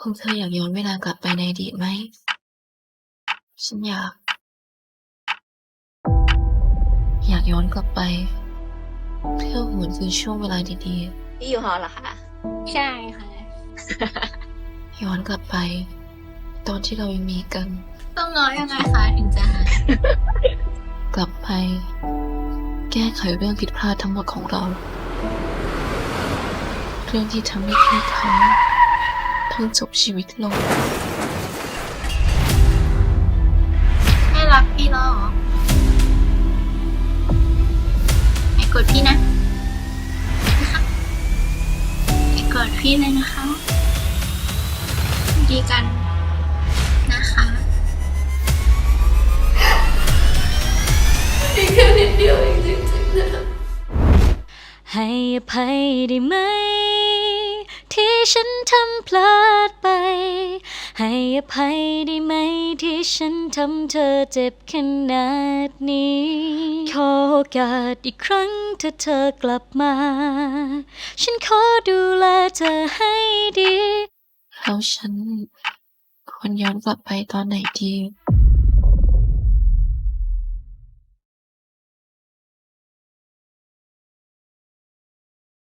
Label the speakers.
Speaker 1: พวกเธออยากย้อนเวลากลับไปในอดีตไหม ฉันอยากย้อนกลับไป เพื่อหวนคืนช่วงเวลาดี
Speaker 2: พี่อยู่หอเหรอคะ
Speaker 3: ใช่ค่ะ
Speaker 1: ๆ ย้อนกลับไป ตอนที่เรายังมีกัน
Speaker 3: ต้องง้อยังไงคะถึงจะหาย
Speaker 1: กลับไป แก้ไขเรื่องผิดพลาดทั้งหมดของเรา เรื่องที่ทำให้พี่เขาต้องจบชีวิตลง
Speaker 3: ไม่รักพี่แล้วเหรอไม่กดพี่นะไม่กดพี่เลยนะคะ ดีกันนะคะ
Speaker 2: อีกแค่นิดเดียวเองจริงๆนะ
Speaker 4: ให้อภัยได้ไหม ที่ฉันทำพลาดไป ให้อภัยได้ไหม ที่ฉันทำเธอเจ็บขนาดนี้ ขอโอกาสอีกครั้งถ้าเธอกลับมา ฉันขอดูแลเธอให้ดี
Speaker 1: แล้วฉันควรย้อนกลับไปตอนไหนดี